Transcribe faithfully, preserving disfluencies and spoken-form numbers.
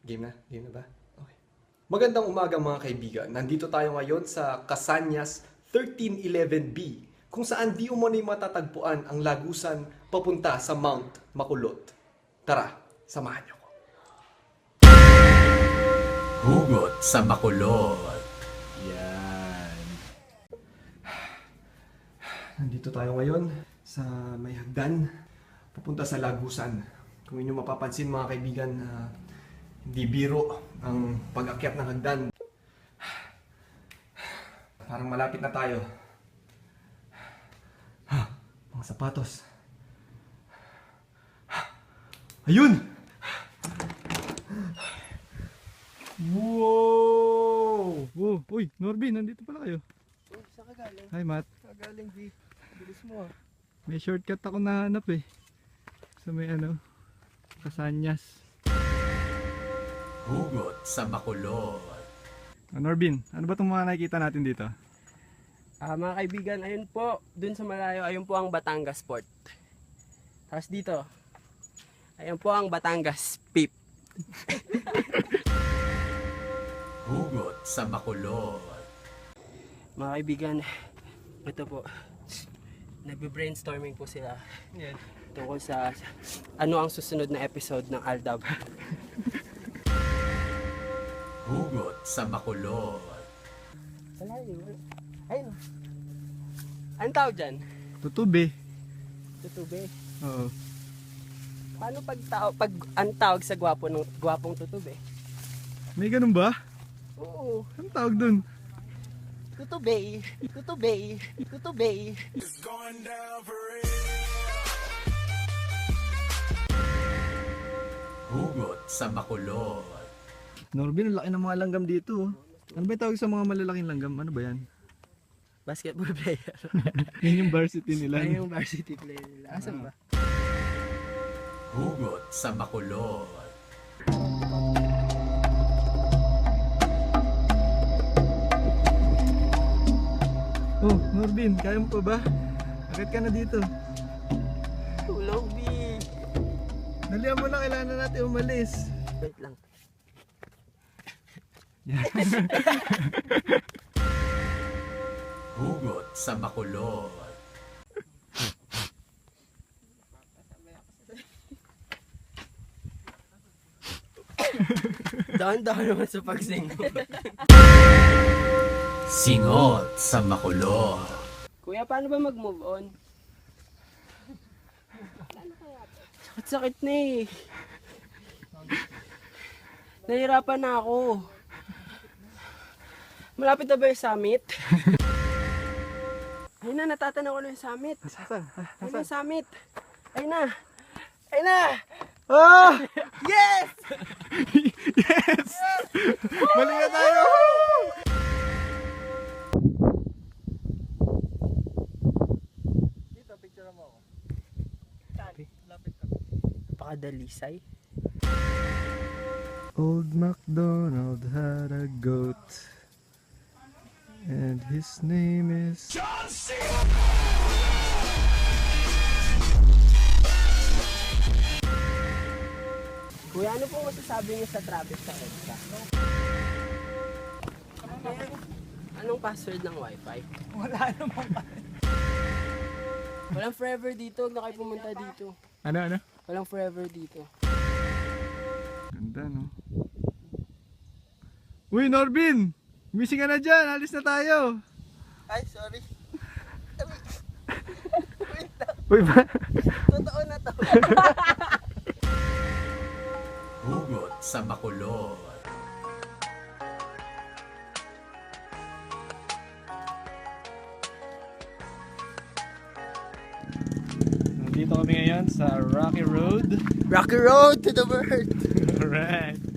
Game na? Game na ba? Okay. Magandang umaga mga kaibigan. Nandito tayo ngayon sa Casañas thirteen eleven B kung saan di umano'y matatagpuan ang lagusan papunta sa Mount Makulot. Tara, samahan niyo ko. Hugot sa Bacolod. Yan. Nandito tayo ngayon sa may hagdan papunta sa lagusan. Kung inyo mapapansin mga kaibigan, uh, hindi biro ang pag-akyat ng hagdan. Parang malapit na tayo. Ha, mga sapatos. Ayun! Wow! Oh, uy, Norbin, nandito pala kayo. Oh, saan ka galing? Hi, Matt. Kagaling, G. Bilis mo ah. May shortcut ako nahanap eh. Sa may ano, Casañas. Hugot sa Bacolod. Oh, Norbin, ano ba itong mga nakikita natin dito? Ah, mga kaibigan, ayun po, dun sa malayo, ayun po ang Batangas Port. Tapos dito, ayun po ang Batangas Pip. Hugot sa Bacolod. Mga kaibigan, ito po, nagbe-brainstorming po sila. Yan. Tungkol sa ano ang susunod na episode ng Aldab. Hugot sa Bacolod. Wala yun. Ayun. Anong tawag dyan? Tutube. Tutube. Oo. Paano pag, tao, pag ang tawag sa gwapo ng gwapong tutube? May ganun ba? Oo. Anong tawag dun? Tutube. Tutube. Tutube. Hugot sa Bacolod. Norbin, ang laki ng mga langgam dito. Oh. Ano ba yung tawag sa mga malalaking langgam? Ano ba yan? Basketball player. Yan yung varsity nila. Ay, yung varsity player nila. Asan ba? Hugot sa Bacolod. Oh, Norbin, kaya mo pa ba? Akit ka na dito. Tulog, B. Dalihan mo na, kailangan na natin umalis. Wait lang. Hugot sa Bacolod. Dahan-dahan naman sa pagsing. Singot sa Bacolod. Kuya, paano ba mag-move on? Sakit-sakit na eh. Nahirapan na ako. Malapit na ba yung summit? Ayun na, natatanaw ko na yung summit. Saan? Ayun na yung summit. Ayun na. Ayun na. Oh! Yes! Yes! Balik na tayo! Dito, picture mo ako. Lapit ka. Napakadalisay. Old MacDonald had a goat, and his name is John C. Kuya, ano po masasabi niyo sa traffic sa EDSA? Anong password ng wifi? Wala namang Walang forever dito, huwag na kayo pumunta dito. Ano, ano? Walang forever dito. Ganda, no? Uy, Norbin! Missing ka na dyan! Alis na tayo! Ay, sorry. Uy, ba? Totoo na to. Hugot sa Bacolod. Nandito kami ngayon sa Rocky Road. Rocky road to the world. Alright.